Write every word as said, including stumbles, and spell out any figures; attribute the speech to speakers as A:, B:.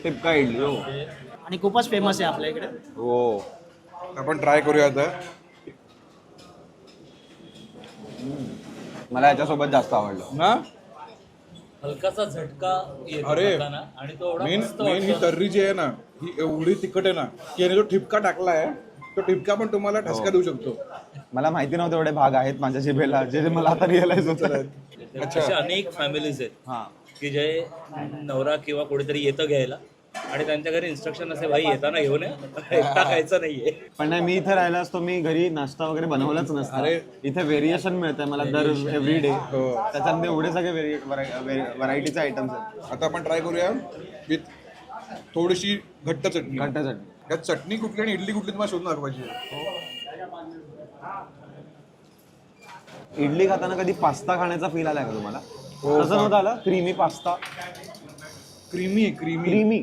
A: टिपका इडली हो
B: आणि खूपच फेमस आहे आपल्या इकडे.
A: हो.
C: आपण ट्राय करूया आता.
A: मला याच्यासोबत जास्त आवडलं
C: ना
D: हलकासा झटका येतो
C: अरे,
D: खाताना आणि तो एवढा
C: मेन
D: मस्त
C: मेन ही
D: वाटतो.
C: तर्री जी आहे ना ही एवढी तिखट आहे ना की याने जो ठिपका टाकलाय तो ठिपका पण तुम्हाला ठसका देऊ शकतो.
A: मला माहिती नव्हते एवढे भाग आहेत माझ्या जिभेला जे जे मला आता रिअलाइज होतं.
D: असे अनेक फॅमिलीज आहेत
A: हा
D: की जे नवरा किंवा कोणीतरी येतं घ्यायला आणि त्यांच्या घरी इन्स्ट्रक्शन असे भाई येताना घेऊन ये, एकटा खायचं नाहीये.
A: पण नाही मी इथे राहिला असतो मी घरी नाश्ता वगैरे बनवलाच नसतं.
C: अरे.
A: इथे व्हेरिएशन मिळतंय मला दर एव्हरी डे.
C: हो.
A: त्याच्यामध्ये एवढे सगळे व्हरायटीचे आयटम्स आहेत.
C: आता आपण ट्राय करूया विथ थोडीशी घट्ट चटणी.
A: घट्ट चटणी.
C: यात चटणी कुठली आणि इडली कुठली तुम्हाला शोधून दाखवायची.
A: इडली खाताना कधी पास्ता खाण्याचा फील आलाय का तुम्हाला?
C: हो,
A: तसं नव्हतं आलं creamy pasta
C: creamy creamy
A: creamy